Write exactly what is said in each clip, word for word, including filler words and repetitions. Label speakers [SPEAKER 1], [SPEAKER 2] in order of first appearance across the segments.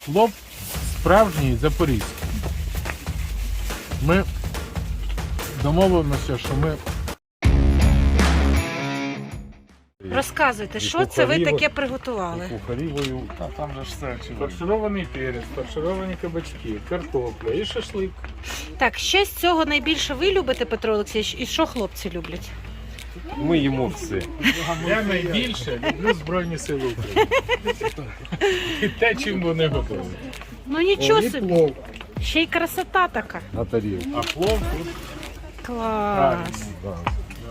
[SPEAKER 1] Плов справжній запорізький. Ми домовимося, що ми...
[SPEAKER 2] Розказуйте, що це ви таке приготували?
[SPEAKER 1] Кухарівою.
[SPEAKER 3] А там же ж все очевидно.
[SPEAKER 1] Фарширований перець, фаршировані кабачки, картопля і шашлик.
[SPEAKER 2] Так, що з цього найбільше ви любите, Петро Олексійович, і що хлопці люблять?
[SPEAKER 3] Ми їмо все.
[SPEAKER 1] Я найбільше люблю Збройні Сили України. І те, чим вони готові.
[SPEAKER 2] Ну нічого
[SPEAKER 1] І
[SPEAKER 2] собі,
[SPEAKER 1] плов.
[SPEAKER 2] ще й красота така.
[SPEAKER 3] На тарілку.
[SPEAKER 1] А плов тут
[SPEAKER 2] Клас.
[SPEAKER 1] правильно.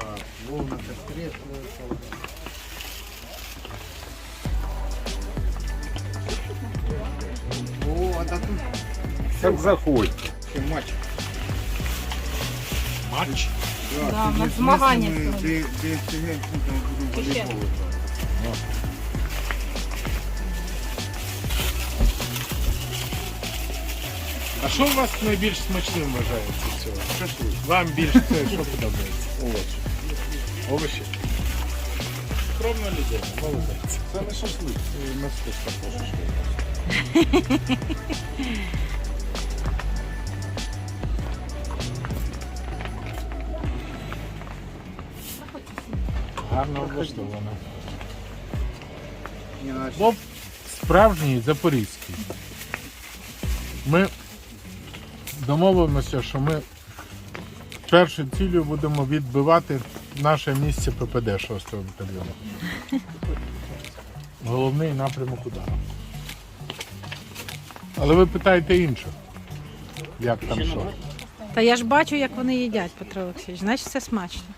[SPEAKER 3] Так заходь.
[SPEAKER 1] Матч.
[SPEAKER 2] Да, на змагання сьогодні. Ще.
[SPEAKER 1] А що у вас найбільш смачним вважається з цього? Шашлик. Вам більше це що подобається? Овочі. Овочі? Скромна людина, молодець.
[SPEAKER 3] Це не шашлик, це мистецтво пошуку.
[SPEAKER 1] Гарно облаштовано. Плов справжній запорізький. Ми домовимося, що ми першою цілею будемо відбивати наше місце ППД шостого батальйону. Головний напрямок удару. Але ви питаєте інших, як там що.
[SPEAKER 2] Та я ж бачу, як вони їдять, Петро Олексійович, значить це смачно.